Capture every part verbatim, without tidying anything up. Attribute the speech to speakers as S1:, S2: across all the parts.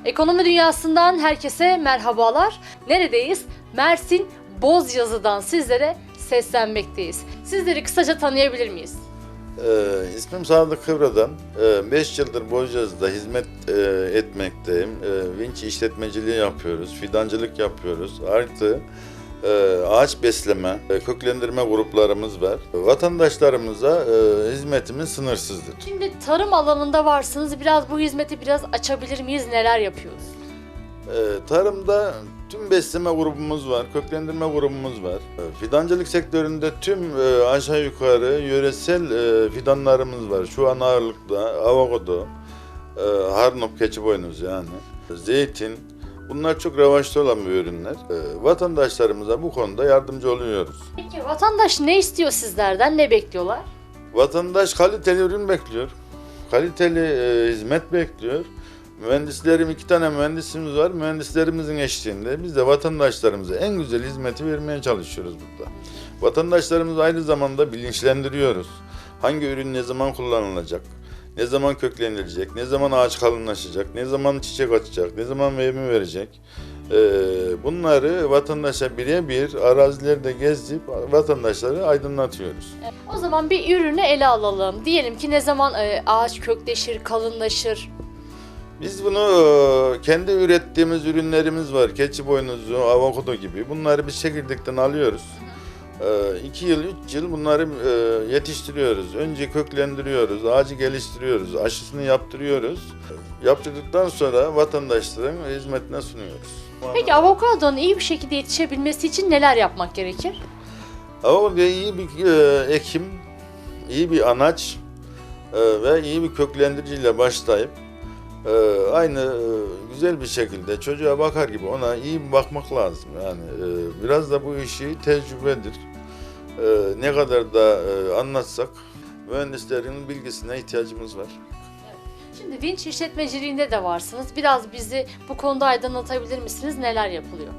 S1: Ekonomi dünyasından herkese merhabalar. Neredeyiz? Mersin Bozyazı'dan sizlere seslenmekteyiz. Sizleri kısaca tanıyabilir miyiz?
S2: Ee, ismim Sadık Kıvra'dan. beş ee, yıldır Bozyazı'da hizmet e, etmekteyim. Ee, vinç işletmeciliği yapıyoruz, fidancılık yapıyoruz. Artı e, ağaç besleme, e, köklendirme gruplarımız var. Vatandaşlarımıza e, hizmetimiz sınırsızdır.
S1: Şimdi tarım alanında varsınız. Biraz bu hizmeti biraz açabilir miyiz? Neler yapıyoruz?
S2: Ee, tarımda tüm besleme grubumuz var, köklendirme grubumuz var. Ee, Fidancılık sektöründe tüm e, aşağı yukarı yöresel e, fidanlarımız var. Şu an ağırlıkta avokado, e, harnop, keçiboynuz yani, zeytin. Bunlar çok revaçta olan bir ürünler. E, vatandaşlarımıza bu konuda yardımcı oluyoruz.
S1: Peki vatandaş ne istiyor sizlerden? Ne bekliyorlar?
S2: Vatandaş kaliteli ürün bekliyor, kaliteli e, hizmet bekliyor. Mühendislerim, iki tane mühendisimiz var. Mühendislerimizin eşliğinde biz de vatandaşlarımıza en güzel hizmeti vermeye çalışıyoruz burada. Vatandaşlarımızı aynı zamanda bilinçlendiriyoruz. Hangi ürün ne zaman kullanılacak, ne zaman köklenilecek, ne zaman ağaç kalınlaşacak, ne zaman çiçek açacak, ne zaman meyve verecek. Ee, bunları vatandaşa birebir arazilerde gezip vatandaşları aydınlatıyoruz.
S1: O zaman bir ürünü ele alalım. Diyelim ki ne zaman e, ağaç kökleşir, kalınlaşır?
S2: Biz bunu e, kendi ürettiğimiz ürünlerimiz var. Keçi boynuzu, avokado gibi. Bunları biz çekirdekten alıyoruz. E, iki yıl, üç yıl bunları e, yetiştiriyoruz. Önce köklendiriyoruz, ağacı geliştiriyoruz, aşısını yaptırıyoruz. Yaptırdıktan sonra vatandaşların hizmetine sunuyoruz.
S1: Peki avokadonun iyi bir şekilde yetişebilmesi için neler yapmak gerekir?
S2: Avokado iyi bir e, ekim, iyi bir anaç e, ve iyi bir köklendiriciyle başlayıp Ee, aynı e, güzel bir şekilde çocuğa bakar gibi ona iyi bir bakmak lazım. Yani e, biraz da bu işi tecrübedir. E, ne kadar da e, anlatsak mühendislerin bilgisine ihtiyacımız var.
S1: Şimdi vinç işletmeciliğinde de varsınız. Biraz bizi bu konuda aydınlatabilir misiniz? Neler yapılıyor?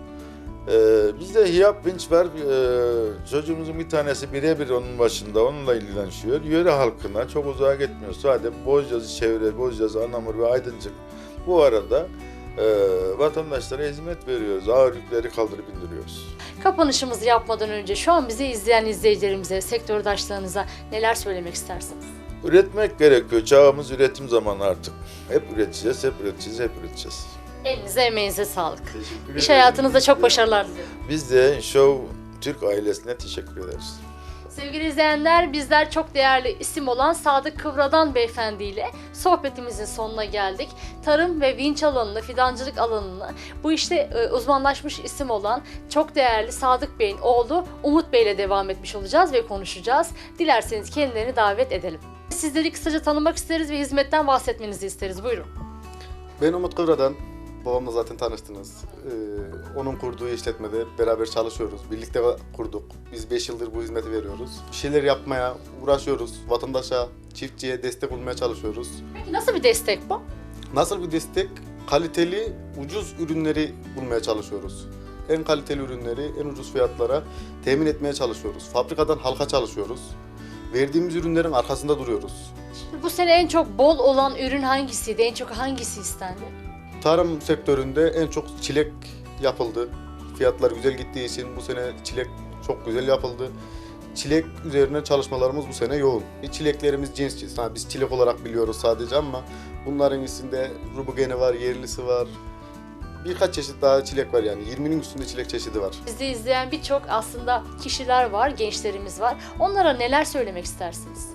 S2: Ee, bizde hiyap vinç var. Ee, çocuğumuzun bir tanesi birebir onun başında, onunla ilgileniyor. Yöre halkına çok uzağa gitmiyor. Sadece Bozyazı çevre, Bozyazı, Anamur ve Aydıncık. Bu arada e, vatandaşlara hizmet veriyoruz. Ağır yükleri kaldırıp indiriyoruz.
S1: Kapanışımızı yapmadan önce şu an bizi izleyen izleyicilerimize, sektördaşlarınıza neler söylemek istersiniz?
S2: Üretmek gerekiyor. Çağımız üretim zamanı artık. Hep üreteceğiz, hep üreteceğiz, hep üreteceğiz.
S1: Elinize, emeğinize sağlık.
S2: Teşekkür
S1: İş
S2: ederim.
S1: hayatınızda çok başarılar diliyorum.
S2: Biz de Show Türk ailesine teşekkür ederiz.
S1: Sevgili izleyenler, bizler çok değerli isim olan Sadık Kıvra'dan beyefendi ile sohbetimizin sonuna geldik. Tarım ve vinç alanını, fidancılık alanını bu işte e, uzmanlaşmış isim olan çok değerli Sadık Bey'in oğlu Umut Bey ile devam etmiş olacağız ve konuşacağız. Dilerseniz kendilerini davet edelim. Sizleri kısaca tanımak isteriz ve hizmetten bahsetmenizi isteriz. Buyurun.
S3: Ben Umut Kıvra'dan, babamla zaten tanıştınız. Ee, onun kurduğu işletmede beraber çalışıyoruz. Birlikte kurduk. Biz beş yıldır bu hizmeti veriyoruz. Bir şeyler yapmaya uğraşıyoruz. Vatandaşa, çiftçiye destek olmaya çalışıyoruz.
S1: Peki nasıl bir destek bu?
S3: Nasıl bir destek? Kaliteli, ucuz ürünleri bulmaya çalışıyoruz. En kaliteli ürünleri en ucuz fiyatlara temin etmeye çalışıyoruz. Fabrikadan halka çalışıyoruz. Verdiğimiz ürünlerin arkasında duruyoruz.
S1: Bu sene en çok bol olan ürün hangisiydi? En çok hangisi istendi?
S3: Tarım sektöründe en çok çilek yapıldı. Fiyatlar güzel gittiği için bu sene çilek çok güzel yapıldı. Çilek üzerine çalışmalarımız bu sene yoğun. Çileklerimiz cins, yani biz çilek olarak biliyoruz sadece ama bunların içinde rubugeni var, yerlisi var. Birkaç çeşit daha çilek var yani yirminin üstünde çilek çeşidi var.
S1: Bizi izleyen birçok aslında kişiler var, gençlerimiz var. Onlara neler söylemek istersiniz?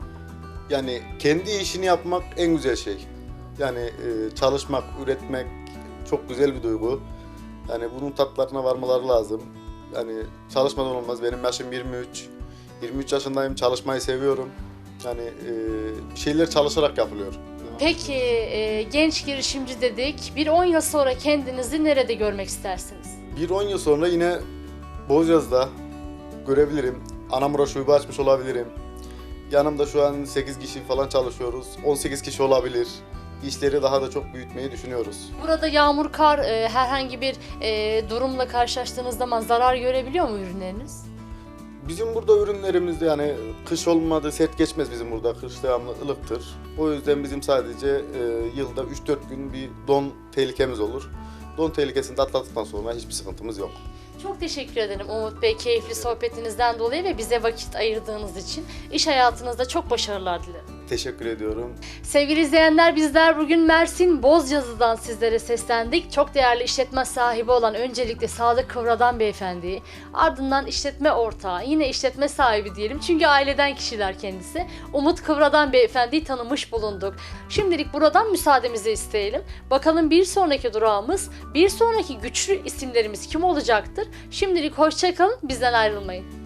S3: Yani kendi işini yapmak en güzel şey. Yani e, çalışmak, üretmek çok güzel bir duygu. Yani bunun tatlarına varmaları lazım. Yani çalışmadan olmaz. Benim yaşım yirmi üç. yirmi üç yaşındayım, çalışmayı seviyorum. Yani e, bir şeyler çalışarak yapılıyor.
S1: Peki e, genç girişimci dedik. Bir on yıl sonra kendinizi nerede görmek istersiniz?
S3: Bir on yıl sonra yine Bozyaz'da görebilirim. Anamur'a şube açmış olabilirim. Yanımda şu an sekiz kişi falan çalışıyoruz. on sekiz kişi olabilir. İşleri daha da çok büyütmeyi düşünüyoruz.
S1: Burada yağmur, kar, e, herhangi bir e, durumla karşılaştığınız zaman zarar görebiliyor mu ürünleriniz?
S3: Bizim burada ürünlerimizde yani kış olmadı, sert geçmez bizim burada. Kış devamlı ılıktır. O yüzden bizim sadece e, yılda üç dört gün bir don tehlikemiz olur. Don tehlikesini de atlattıktan sonra hiçbir sıkıntımız yok.
S1: Çok teşekkür ederim Umut Bey, keyifli sohbetinizden dolayı ve bize vakit ayırdığınız için. İş hayatınızda çok başarılar dilerim.
S3: Teşekkür ediyorum.
S1: Sevgili izleyenler, bizler bugün Mersin Bozcazı'dan sizlere seslendik. Çok değerli işletme sahibi olan öncelikle Sadık Kıvra'dan beyefendiyi, ardından işletme ortağı, yine işletme sahibi diyelim çünkü aileden kişiler kendisi, Umut Kıvra'dan beyefendiyi tanımış bulunduk. Şimdilik buradan müsaademizi isteyelim. Bakalım bir sonraki durağımız, bir sonraki güçlü isimlerimiz kim olacaktır? Şimdilik hoşça kalın, bizden ayrılmayın.